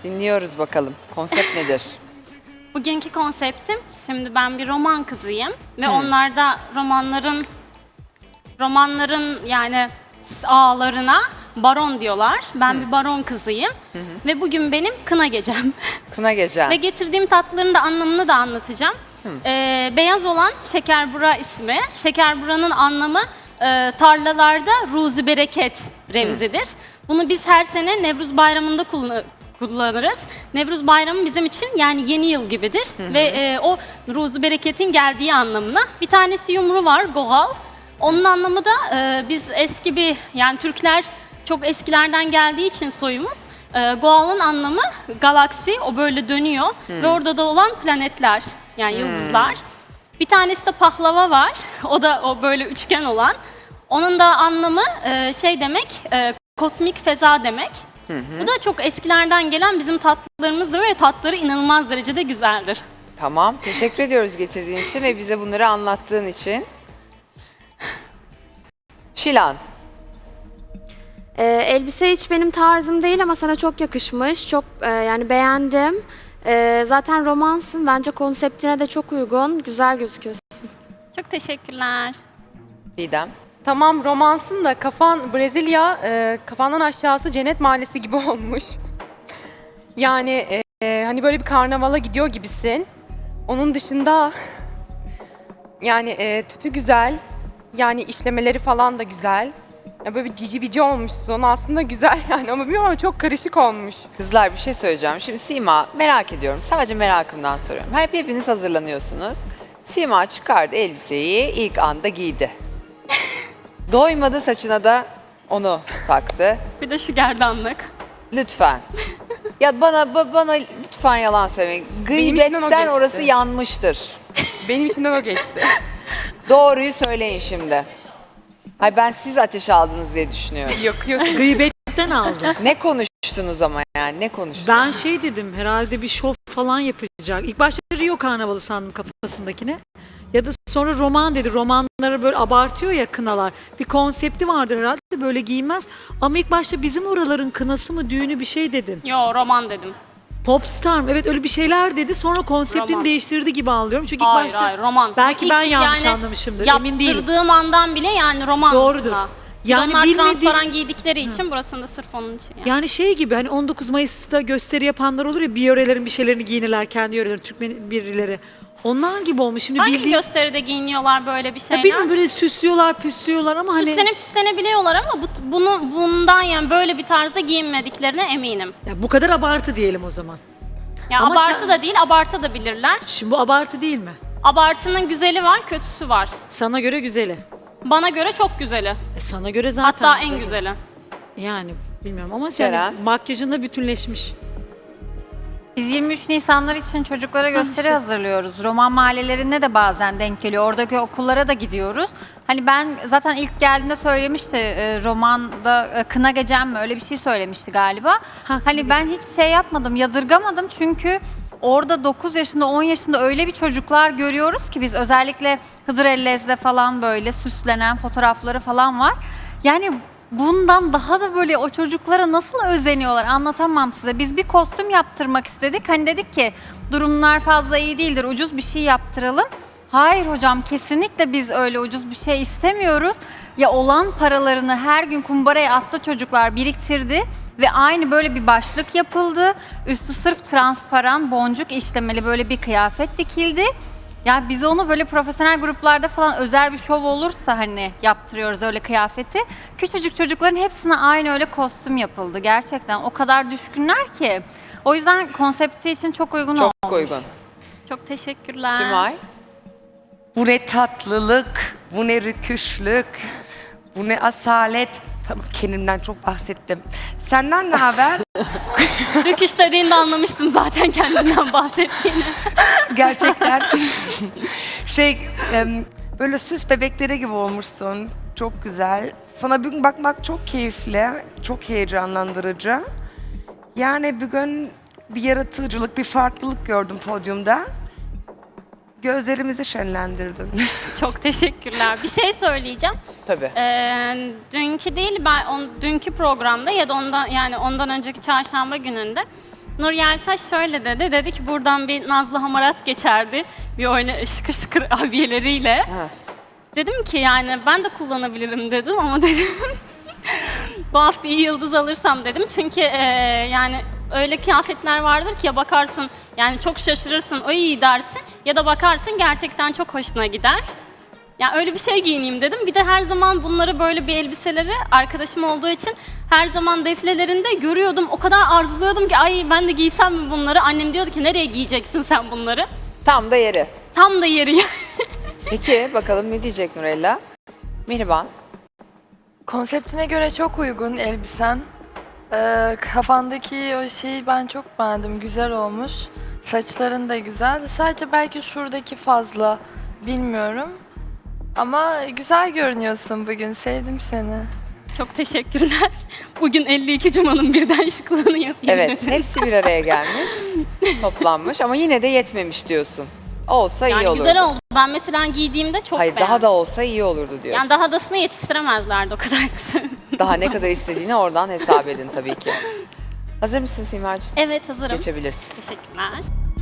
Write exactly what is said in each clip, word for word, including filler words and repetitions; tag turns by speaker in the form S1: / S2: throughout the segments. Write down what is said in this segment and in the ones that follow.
S1: dinliyoruz bakalım. Konsept nedir?
S2: Bugünkü konseptim, şimdi ben bir roman kızıyım ve onlar da romanların romanların yani ağlarına baron diyorlar. Ben Hı. bir baron kızıyım hı hı. ve bugün benim kına gecem.
S1: Kına gecem.
S2: Ve getirdiğim tatlıların da anlamını da anlatacağım. Ee, beyaz olan şekerbura ismi. Şekerburanın anlamı e, tarlalarda ruzi bereket remzidir. Hı. Bunu biz her sene Nevruz Bayramı'nda kullanırız. kullanırız. Nevruz Bayramı bizim için yani yeni yıl gibidir hı hı. ve e, o ruzu bereketin geldiği anlamına. Bir tanesi yumru var, gohal. Onun anlamı da e, biz eski bir yani Türkler çok eskilerden geldiği için soyumuz. E, gohal'ın anlamı galaksi, o böyle dönüyor hı. ve orada da olan planetler yani hı. yıldızlar. Bir tanesi de pahlava var. O da o böyle üçgen olan. Onun da anlamı e, şey demek, e, kosmik feza demek. Hı hı. Bu da çok eskilerden gelen bizim tatlılarımızdır ve tatları inanılmaz derecede güzeldir.
S1: Tamam, teşekkür ediyoruz getirdiğin için ve bize bunları anlattığın için. Şilan.
S3: Ee, elbise hiç benim tarzım değil ama sana çok yakışmış. Çok e, yani beğendim. Ee, zaten romansın. Bence konseptine de çok uygun. Güzel gözüküyorsun.
S2: Çok teşekkürler.
S1: Didem.
S4: Tamam romansın da kafan Brezilya, e, kafandan aşağısı cennet mahallesi gibi olmuş. Yani e, hani böyle bir karnavala gidiyor gibisin. Onun dışında yani e, tütü güzel. Yani işlemeleri falan da güzel. Ya böyle bir cici bici olmuşsun. Aslında güzel yani ama bilmiyorum ama çok karışık olmuş.
S1: Kızlar bir şey söyleyeceğim. Şimdi Sima merak ediyorum. Sadece merakımdan soruyorum. Hep hepiniz hazırlanıyorsunuz. Sima çıkardı elbiseyi ilk anda giydi. Doymadı saçına da onu taktı.
S2: Bir de şu gerdanlık.
S1: Lütfen. Ya bana bana lütfen yalan söylemeyin. Gıybetten orası yanmıştır.
S4: Benim içimden o geçti.
S1: Doğruyu söyleyin şimdi. Hayır ben siz ateş aldınız diye düşünüyorum.
S4: Yakıyorsun.
S5: Gıybetten aldım.
S1: Ne konuştunuz ama yani ne konuştunuz?
S5: Ben şey dedim herhalde bir şov falan yapacak. İlk başta Rio Karnavalı sandım kafasındakine. Ya da sonra roman dedi. Romanları böyle abartıyor ya kınalar. Bir konsepti vardır herhalde böyle giyinmez. Ama ilk başta bizim oraların kınası mı düğünü bir şey dedin.
S2: Yo roman dedim.
S5: Popstar mı? Evet öyle bir şeyler dedi. Sonra konseptini
S2: Roman.
S5: değiştirdi gibi anlıyorum. Çünkü
S2: Hayır
S5: ilk başta
S2: hayır roman.
S5: belki
S2: İlk
S5: ben yanlış
S2: yani
S5: anlamışımdır. Emin değilim.
S2: Yaptırdığım andan bile yani roman.
S5: Doğrudur.
S2: Yani
S5: Yani
S2: onlar
S5: bilmediğim-
S2: transparan giydikleri için burasında sırf onun için yani.
S5: Yani şey gibi hani on dokuz Mayıs'ta gösteri yapanlar olur ya bir yörelerin bir şeylerini giyinirler kendi yörelerin Türkmen birileri. Onlar gibi olmuş. Şimdi
S2: Hangi
S5: bildiğin
S2: gösteride giyiniyorlar böyle bir şeyler?
S5: ya bilmiyorum böyle süslüyorlar, püslüyorlar ama hani
S2: Süslenip püslenebiliyorlar ama bu, bunu, bundan yani böyle bir tarzda giyinmediklerine eminim.
S5: ya bu kadar abartı diyelim o zaman.
S2: Ya
S5: Ama
S2: abartı
S5: sen-
S2: da değil, abartı da bilirler.
S5: Şimdi bu abartı değil mi?
S2: Abartının güzeli var, kötüsü var.
S5: Sana göre güzeli.
S2: Bana göre çok güzeli.
S5: E sana göre zaten.
S2: Hatta en güzeli.
S5: Yani bilmiyorum ama
S1: Ceren?
S5: sen makyajınla bütünleşmiş.
S6: Biz yirmi üç Nisanlar için çocuklara gösteri hazırlıyoruz. Roman mahallelerine de bazen denk geliyor. Oradaki okullara da gidiyoruz. Hani ben zaten ilk geldiğinde söylemişti e, romanda e, kına gecem mi öyle bir şey söylemişti galiba.
S5: Ha,
S6: Hani ben hiç şey yapmadım, yadırgamadım çünkü orada dokuz yaşında on yaşında öyle bir çocuklar görüyoruz ki biz özellikle Hızır Ellez'de falan böyle süslenen fotoğrafları falan var. Yani bundan daha da böyle o çocuklara nasıl özeniyorlar anlatamam size. Biz bir kostüm yaptırmak istedik. Hani dedik ki durumlar fazla iyi değildir ucuz bir şey yaptıralım. Hayır hocam kesinlikle biz öyle ucuz bir şey istemiyoruz. Ya olan paralarını her gün kumbaraya attı çocuklar biriktirdi. Ve aynı böyle bir başlık yapıldı. Üstü sırf transparan boncuk işlemeli böyle bir kıyafet dikildi. Ya biz onu böyle profesyonel gruplarda falan özel bir şov olursa hani yaptırıyoruz öyle kıyafeti. Küçücük çocukların hepsine aynı öyle kostüm yapıldı. Gerçekten o kadar düşkünler ki. O yüzden konsepti için çok uygun
S1: Çok
S6: olmuş.
S1: uygun.
S2: Çok teşekkürler.
S1: Cumay.
S7: Bu ne tatlılık, bu ne rüküşlük, bu ne asalet. Tabii kendimden çok bahsettim. Senden ne haber?
S2: Rüküş dediğinde anlamıştım zaten kendinden bahsettiğini.
S7: Gerçekten şey em, böyle süs bebekleri gibi olmuşsun. Çok güzel. Sana bugün bakmak çok keyifli, çok heyecanlandırıcı. Yani bugün bir yaratıcılık, bir farklılık gördüm podyumda. Gözlerimizi şenlendirdin.
S2: Çok teşekkürler. Bir şey söyleyeceğim.
S1: Tabii.
S2: Ee, dünkü değil, ben on, dünkü programda ya da ondan yani ondan önceki çarşamba gününde Nur Yeltaş şöyle dedi. Dedi ki buradan bir Nazlı Hamarat geçerdi. Bir oyna şıkır şıkır abiyeleriyle.
S1: Ha.
S2: Dedim ki yani ben de kullanabilirim dedim ama dedim bu hafta iyi yıldız alırsam dedim. Çünkü e, yani öyle kıyafetler vardır ki ya bakarsın yani çok şaşırırsın o iyi dersin ya da bakarsın gerçekten çok hoşuna gider. Yani öyle bir şey giyineyim dedim. Bir de her zaman bunları böyle bir elbiseleri arkadaşım olduğu için her zaman deflelerinde görüyordum. O kadar arzuluyordum ki ay ben de giysem mi bunları? Annem diyordu ki nereye giyeceksin sen bunları?
S1: Tam da yeri.
S2: Tam da yeri.
S1: Peki bakalım ne diyecek Nurella? Mihriban.
S8: Konseptine göre çok uygun elbisen. Ee, kafandaki o şeyi ben çok beğendim. Güzel olmuş. Saçların da güzel. Sadece belki şuradaki fazla. Bilmiyorum. Ama güzel görünüyorsun bugün. Sevdim seni.
S2: Çok teşekkürler. Bugün elli iki Cuma'nın birden şıklığını yapayım.
S1: Evet, hepsi bir araya gelmiş, toplanmış ama yine de yetmemiş diyorsun. Olsa iyi
S2: Yani
S1: olurdu.
S2: güzel oldu. Ben mesela giydiğimde çok
S1: Hayır,
S2: beğendim.
S1: daha da olsa iyi olurdu diyorsun.
S2: Yani daha dasını yetiştiremezlerdi o kadar kısa.
S1: Daha ne kadar istediğini oradan hesap edin tabii ki. Hazır mısın Simacığım?
S2: Evet hazırım.
S1: Geçebilirsin.
S2: Teşekkürler.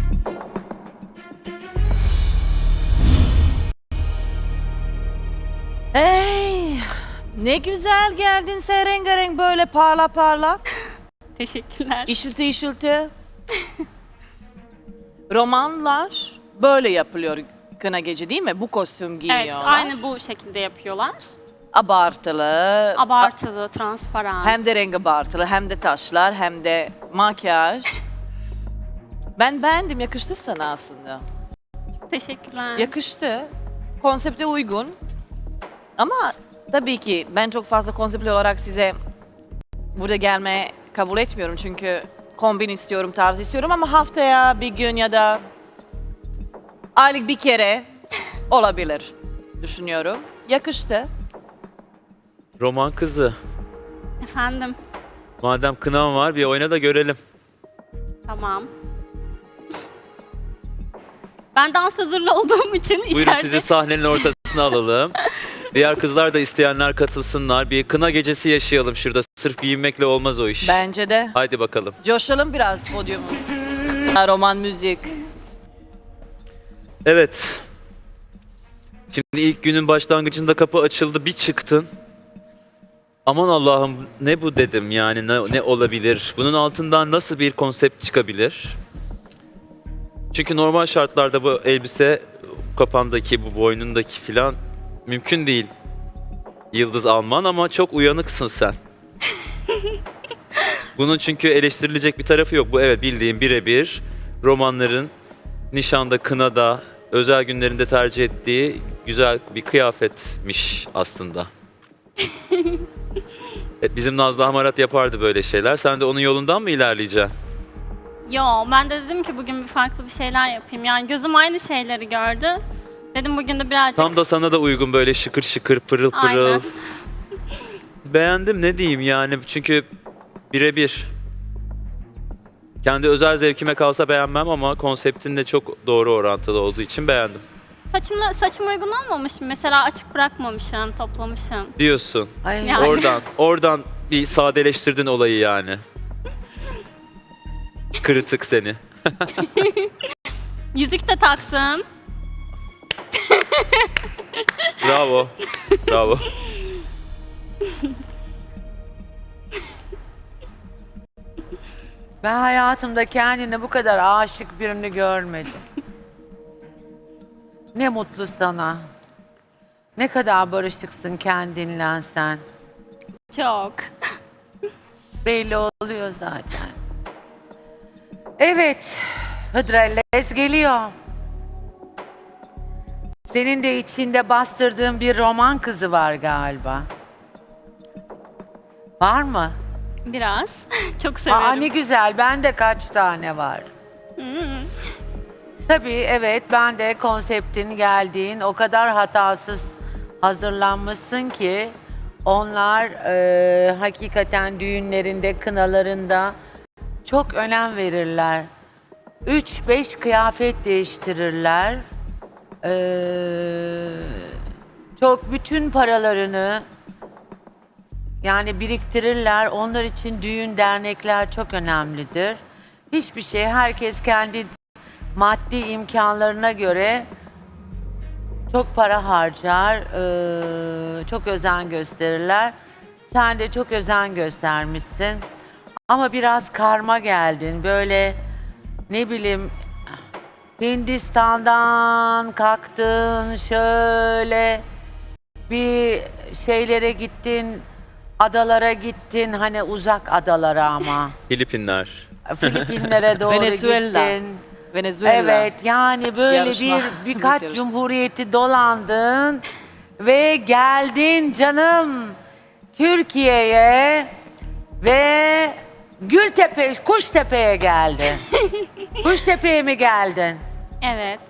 S9: Ey, ne güzel geldin sen rengarenk böyle parla parla.
S2: Teşekkürler.
S9: İşilti işilti. Romanlar böyle yapılıyor kına gece değil mi? Bu kostüm giyiyorlar.
S2: Evet aynı bu şekilde yapıyorlar.
S9: Abartılı.
S2: Abartılı, transparan.
S9: Hem de renk abartılı, hem de taşlar, hem de makyaj. Ben beğendim, yakıştı sana aslında.
S2: Teşekkürler.
S9: Yakıştı. Konsepte uygun. Ama tabii ki ben çok fazla konseptli olarak size burada gelmeye kabul etmiyorum. Çünkü kombin istiyorum, tarz istiyorum ama haftaya bir gün ya da aylık bir kere olabilir düşünüyorum. Yakıştı.
S10: Roman kızı.
S2: Efendim,
S10: Madem kınam var bir oyna da görelim.
S2: tamam. Ben dans hazırlı olduğum için
S10: Buyurun
S2: içeride...
S10: sizi sahnenin ortasına alalım. Diğer kızlar da isteyenler katılsınlar. Bir kına gecesi yaşayalım şurada. Sırf giyinmekle olmaz o iş.
S9: Bence de.
S10: Haydi bakalım.
S9: Coşalım biraz podyumu. Roman müzik.
S10: Evet. Şimdi ilk günün başlangıcında kapı açıldı. Bir çıktın. Aman Allah'ım ne bu dedim yani ne, ne olabilir? Bunun altından nasıl bir konsept çıkabilir? Çünkü normal şartlarda bu elbise kafandaki, bu boynundaki filan mümkün değil. Yıldız alman ama çok uyanıksın sen. Bunun çünkü eleştirilecek bir tarafı yok. Bu evet bildiğim birebir romanların nişanda, kınada, özel günlerinde tercih ettiği güzel bir kıyafetmiş aslında. Evet, bizim Nazlı Hamarat yapardı böyle şeyler. Sen de onun yolundan mı ilerleyeceksin?
S2: Yo, ben de dedim ki bugün bir farklı bir şeyler yapayım. Yani gözüm aynı şeyleri gördü. Dedim bugün de birazcık...
S10: Tam da sana da uygun böyle şıkır şıkır, pırıl pırıl.
S2: Aynen.
S10: Beğendim ne diyeyim yani çünkü birebir. Kendi özel zevkime kalsa beğenmem ama konseptinle çok doğru orantılı olduğu için beğendim.
S2: Saçımla, saçım uygun olmamış mı? Mesela açık bırakmamışım, toplamışım.
S10: Diyorsun.
S2: Yani.
S10: Oradan, oradan bir sadeleştirdin olayı yani. Kırıtık seni.
S2: Yüzük de taktım.
S10: Bravo. Bravo.
S11: Ben hayatımda kendine bu kadar aşık birini görmedim. Ne mutlu sana. Ne kadar barışıksın kendinle sen.
S2: Çok.
S11: Belli oluyor zaten. Evet, Hıdrellez geliyor. Senin de içinde bastırdığın bir roman kızı var galiba. Var mı?
S2: Biraz. Çok severim.
S11: Aa ne güzel, bende kaç tane var. Tabii evet, ben de konseptin geldiğin o kadar hatasız hazırlanmışsın ki onlar e, hakikaten düğünlerinde, kınalarında çok önem verirler. Üç beş kıyafet değiştirirler. Ee, çok bütün paralarını yani biriktirirler. Onlar için düğün, dernekler çok önemlidir. Hiçbir şey. Herkes kendi maddi imkanlarına göre çok para harcar, eee, çok özen gösterirler. Sen de çok özen göstermişsin. Ama biraz karma geldin. Böyle ne bileyim Hindistan'dan kalktın şöyle bir şeylere gittin, adalara gittin, hani uzak adalara ama.
S10: Filipinler.
S11: Filipinlere doğru
S9: Venezuela.
S11: gittin.
S9: Venezuela.
S11: Evet, yani böyle
S9: Yarışma.
S11: bir birkaç
S9: Yarışma.
S11: cumhuriyeti dolandın ve geldin canım Türkiye'ye ve Gültepe, Kuştepe'ye geldin. Kuştepe'ye mi geldin?
S2: Evet.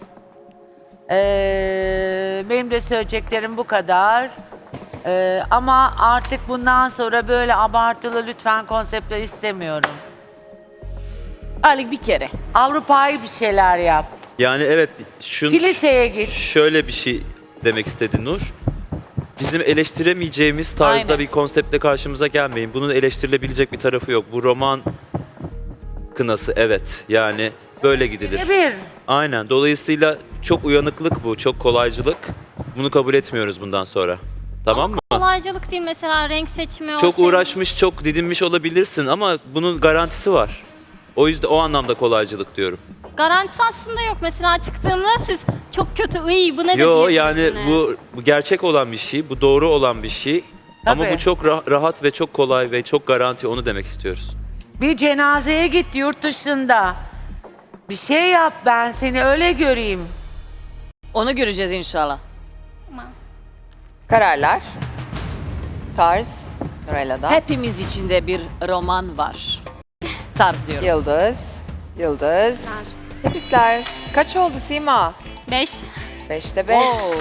S11: Ee, benim de söyleyeceklerim bu kadar. Ee, ama artık bundan sonra böyle abartılı lütfen konseptler istemiyorum.
S9: Aylık bir kere.
S11: Avrupa'yı bir şeyler yap.
S10: Yani evet şun,
S11: Kiliseye git.
S10: şöyle bir şey demek istedi Nur. Bizim eleştiremeyeceğimiz tarzda
S9: Aynen.
S10: bir konseptle karşımıza gelmeyin. Bunun eleştirilebilecek bir tarafı yok. Bu roman kınası evet. Yani böyle gidilir.
S11: Bir.
S10: Aynen. Dolayısıyla çok uyanıklık bu, çok kolaycılık. Bunu kabul etmiyoruz bundan sonra. Tamam mı?
S2: Kolaycılık değil mesela renk seçimi
S10: Çok
S2: olsaydı-
S10: uğraşmış, çok didinmiş olabilirsin ama bunun garantisi var. O yüzden o anlamda kolaycılık diyorum.
S2: Garantisi aslında yok. Mesela çıktığımda siz çok kötü, iyi bu ne de
S10: Yo yani
S2: diyebilirsiniz.
S10: bu, bu gerçek olan bir şey, bu doğru olan bir şey. Ama
S11: Tabii.
S10: bu çok rah- rahat ve çok kolay ve çok garanti, onu demek istiyoruz.
S11: Bir cenazeye git yurt dışında. Bir şey yap, ben seni öyle göreyim.
S9: Onu göreceğiz inşallah.
S1: Kararlar. Tarz. Nurella'da.
S9: Hepimiz içinde bir roman var. Tarz diyorum.
S1: Yıldız. Yıldız. Tebrikler. Kaç oldu Sima?
S2: Beş.
S1: Beşte beş.
S9: Oo.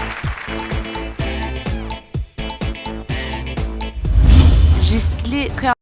S12: Riskli kıyafetler